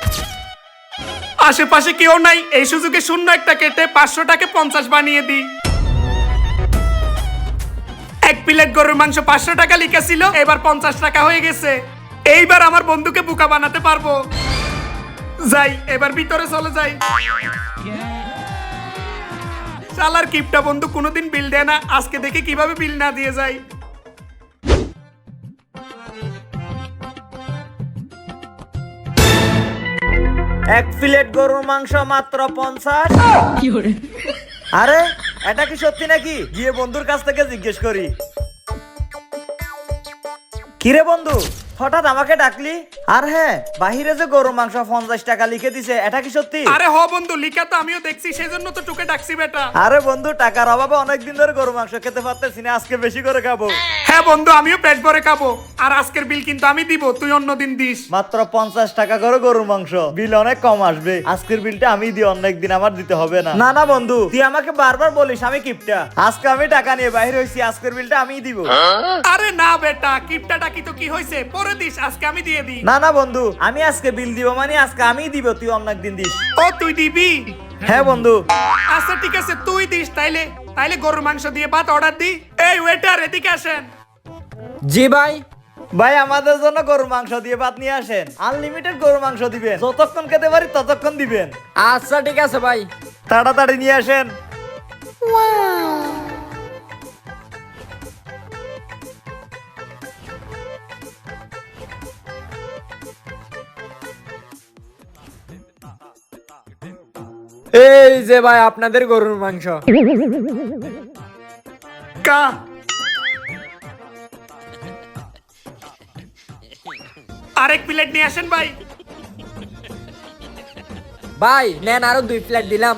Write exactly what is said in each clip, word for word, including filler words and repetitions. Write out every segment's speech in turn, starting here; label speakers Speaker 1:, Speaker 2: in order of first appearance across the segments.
Speaker 1: আশেপাশে কেউ নাই, এই সুযোগে শূন্য একটা কেটে পাঁচশো টাকা পঞ্চাশ বানিয়ে দি। এক প্লেট গরুর মাংস পাঁচশো টাকা লিখা ছিল, এবার পঞ্চাশ টাকা হয়ে গেছে। এইবার আমার বন্ধুকে বোকা বানাতে পারবো। যাই, এবার ভিতরে চলে যাই। শালার কিপটা বন্ধু কোনোদিন বিল দেয় না, আজকে দেখে কিভাবে বিল না দিয়ে যায়।
Speaker 2: এক প্লেট গরুর মাংস মাত্র পঞ্চাশ। আরে এটা কি সত্যি নাকি? গিয়ে বন্ধুর কাছ থেকে জিজ্ঞেস করি। কিরে বন্ধু, হঠাৎ আমাকে ডাকলি? আর হ্যাঁ, বাহিরে যে গরুর মাংস পঞ্চাশ টাকা লিখে দিছে, এটা কি সত্যি?
Speaker 1: আরে হ বন্ধু, লিখা তো আমিও দেখছি, সেজন্য তো টুকে ডাকছি বেটা।
Speaker 2: আরে বন্ধু, টাকার অভাবে অনেকদিন ধরে গরুর মাংস খেতে পারতেছি না, আজকে বেশি করে খাবো।
Speaker 1: হ্যাঁ বন্ধু, আমিও পেট ভরে খাবো। আর আজকের বিল কিন্তু আমি দিব, তুই অন্যদিন দিস।
Speaker 2: মাত্র পঞ্চাশ টাকা করে গরুর মাংস, বিল অনেক কম আসবে। আজকের বিলটা আমি দিই, অনেক দিন আমার দিতে হবে না। না না বন্ধু, তুই আমাকে বারবার বলিস আমি কিপটা। আজকে আমি টাকা নিয়ে বাইরে হইছি, আজকের বিলটা আমিই দিব।
Speaker 1: আরে না বেটা, কিপটাটা কি তো কি হয়েছে, পরে দিস, আজকে আমি দিয়ে দিই।
Speaker 2: না না বন্ধু, আমি আজকে বিল দিব, মানে আজকে আমিই দিব, তুই অনেক দিন দিস।
Speaker 1: ও তুই দিবি?
Speaker 2: হ্যাঁ বন্ধু।
Speaker 1: আচ্ছা ঠিক আছে, তুই দিস তাইলে। তাইলে গরুর মাংস দিয়ে ভাত অর্ডার দি। এই ওয়েটার, এদিকে আসেন।
Speaker 3: জি ভাই।
Speaker 2: ভাই আমাদের জন্য গরুর মাংস দিয়ে ভাত নিয়ে আসেন। আনলিমিটেড গরুর মাংস দিবেন, যতক্ষণ খেতে পারি ততক্ষণ দিবেন।
Speaker 3: আচ্ছা ঠিক আছে ভাই।
Speaker 2: তাড়াতাড়ি নিয়ে আসেন।
Speaker 3: এই যে ভাই আপনাদের গরুর মাংস।
Speaker 1: কা আরেক প্লেট নিয়ে আসেন ভাই।
Speaker 3: ভাই নেন, আরো দুই প্লেট দিলাম।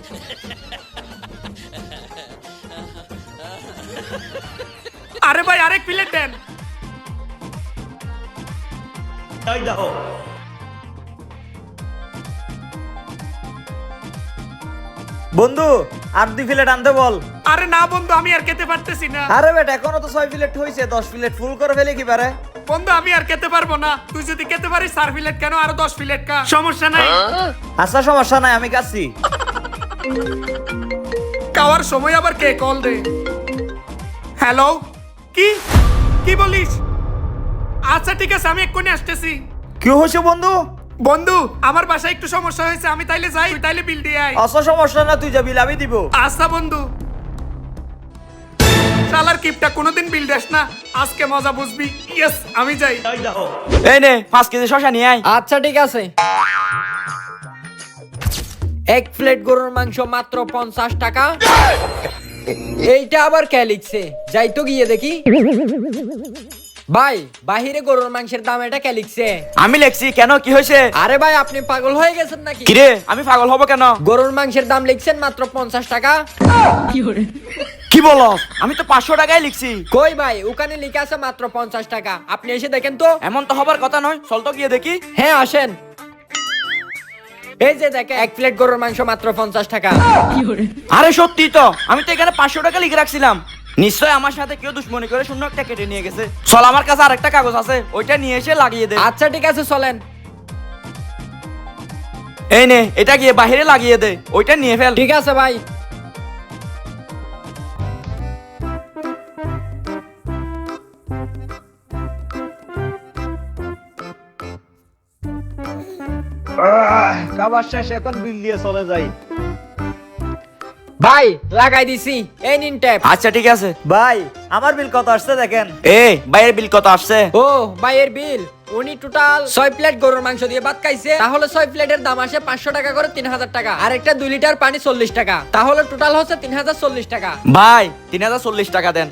Speaker 1: আরে ভাই আরেক প্লেট দেন।
Speaker 2: বন্ধু, আর দুই প্লেট আনতে বল।
Speaker 1: আরে না বন্ধু, আমি আর খেতে পারতেছি না।
Speaker 2: আরে বেটা, এখনো তো ছয় প্লেট হয়েছে, দশ প্লেট ফুল করে ফেলে কি পারে?
Speaker 1: বন্ধু আমি আর খেতে পারবো না। তুই যদি খেতে পারিস চার প্লেট কেন, আরো দশ প্লেট কা, সমস্যা নাই।
Speaker 2: আচ্ছা সমস্যা নাই, আমি কাছি।
Speaker 1: খাওয়ার সময় আবার কে কল দে? হ্যালো, কি কি বলিস? আচ্ছা ঠিক আছে, আমি এক্ষুনি আসতেছি।
Speaker 2: কি হয়েছে বন্ধু?
Speaker 1: বন্ধু আমার বাসায় একটু সমস্যা হয়েছে, আমি তাইলে যাই, তুই তাইলে বিল দিয়ে আয়।
Speaker 2: আচ্ছা সমস্যা না, তুই যা, বিল আমি দিব।
Speaker 1: আচ্ছা বন্ধু। শালার কিপটা কোনোদিন বিল দেস না, আজকে মজা বুঝবি। ইয়েস, আমি যাই।
Speaker 2: এই নে পাঁচ কেজি শসা নিয়ে আয়।
Speaker 3: আচ্ছা ঠিক আছে। এক প্লেট গরুর মাংস মাত্র পঞ্চাশ টাকা। এইটা আবার কে লিখছে? যাই তো গিয়ে দেখি। ভাই বাহিরে গরুর মাংসের দাম এটা কে লিখছে?
Speaker 2: আমি লেখছি। কেন, কি হয়েছে?
Speaker 3: আরে ভাই আপনি পাগল হয়ে গেছেন নাকি?
Speaker 2: কিরে, আমি পাগল হব কেন?
Speaker 3: গরুর মাংসের দাম লিখছেন মাত্র পঞ্চাশ টাকা।
Speaker 2: কি বলো? আমি তো পাঁচশো টাকায় লিখছি।
Speaker 3: কই ভাই, ওখানে লিখে আছে মাত্র পঞ্চাশ টাকা। আপনি এসে দেখেন তো।
Speaker 2: এমন তো হবার কথা নয়, চল তো গিয়ে দেখি।
Speaker 3: হ্যাঁ আসেন। এই যে দেখেন, এক প্লেট গরুর মাংস মাত্র পঞ্চাশ টাকা।
Speaker 2: আরে সত্যি তো, আমি তো এখানে পাঁচশো টাকা লিখে রাখছিলাম। নিশ্চয় আমার সাথে কেউ দুশ্মনী করে শূন্য একটা কেটে নিয়ে গেছে। চল, আমার কাছে আরেকটা কাগজ আছে, ওইটা নিয়ে এসে লাগিয়ে দে।
Speaker 3: আচ্ছা ঠিক আছে চলেন।
Speaker 2: এই নে, এটা গিয়ে বাহিরে লাগিয়ে দে, ওইটা নিয়ে ফেল।
Speaker 3: ঠিক আছে ভাই।
Speaker 2: খাবার শেষ, এখন বিল দিয়ে চলে যাই।
Speaker 3: ভাই লাগাই দিছি, এই নিন ট্যাপ।
Speaker 2: আচ্ছা ঠিক আছে ভাই, আমার বিল কত আসছে দেখেন। এ ভাইয়ের বিল কত আসছে?
Speaker 3: ও ভাইয়ের বিল, উনি টোটাল ছয় প্লেট গরুর মাংস দিয়ে ভাত খাইছে, তাহলে ছয় প্লেটের দাম আসে পাঁচশো টাকা করে, তিন হাজার টাকা। আর একটা দুই লিটার পানি চল্লিশ টাকা, তাহলে টোটাল হচ্ছে তিন হাজার চল্লিশ টাকা।
Speaker 2: ভাই তিন হাজার চল্লিশ টাকা দেন।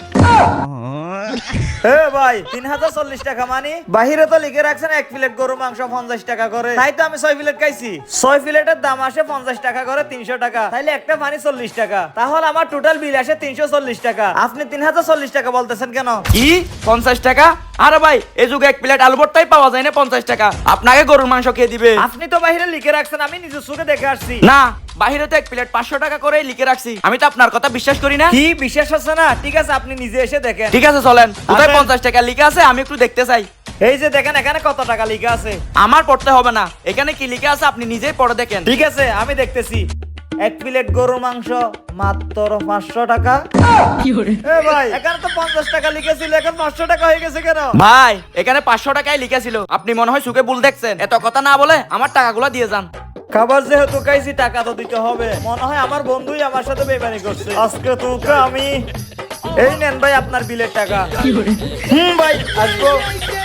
Speaker 2: ভাই তিন হাজার চল্লিশ টাকা মানে বাহিরে তো লিখে রাখছেন এক প্লেট গরু মাংস পঞ্চাশ টাকা করে, তাই তো আমি ছয় প্লেট খাইছি। ছয় প্লেটের দাম আসে পঞ্চাশ টাকা করে, তিনশো টাকা, তাইলে একটা পানি চল্লিশ টাকা, তাহলে আমার টোটাল বিল আসে তিনশো চল্লিশ টাকা। আপনি তিন হাজার চল্লিশ টাকা বলতেছেন কেন? কি পঞ্চাশ টাকা? আরে ভাই এই যুগে এক প্লেট আলু ভর্তাই পাওয়া যায় না পঞ্চাশ টাকা, আপনাকে গরুর মাংস কে দিবে? আপনি তো বাহিরে লিখে রাখছেন, আমি নিজের চোখে দেখে আসছি। না,
Speaker 4: বাহিরে তো এক প্লেট পাঁচশো টাকা করে লিখে রাখছি, আমি তো আপনার কথা বিশ্বাস করি না।
Speaker 2: কি বিশেষ হচ্ছে না? ঠিক আছে, আপনি নিজে এসে দেখেন।
Speaker 4: ঠিক আছে চলেন, কোথায়
Speaker 2: আসেন।
Speaker 4: পঞ্চাশ টাকা লিখে আছে আমি একটু দেখতে চাই।
Speaker 2: এই যে দেখেন এখানে কত টাকা লেখা আছে।
Speaker 4: আমার পড়তে হবে না, এখানে কি লিখে আছে আপনি নিজেই পড়ে দেখেন।
Speaker 2: ঠিক আছে, আমি দেখতেছি। এক প্লেট গরুর মাংস মাত্র পাঁচশো টাকা। এ ভাই, এখানে তো পঞ্চাশ টাকা লিখেছিল, এখন পাঁচশো টাকা হয়ে গেছে কেন?
Speaker 4: ভাই এখানে পাঁচশো টাকাই লিখেছিল, আপনি মনে হয় সুখে ভুল দেখছেন। এত কথা না বলে আমার টাকাগুলো দিয়ে যান।
Speaker 2: খাবার যেহেতু খাইছি টাকা তো দিতে হবে। মনে হয় আমার বন্ধুই আমার সাথে বেমানি করছে। আজকে তোকে আমি এই নেন ভাই আপনার বিলের টাকা। হুম ভাই, আসবো।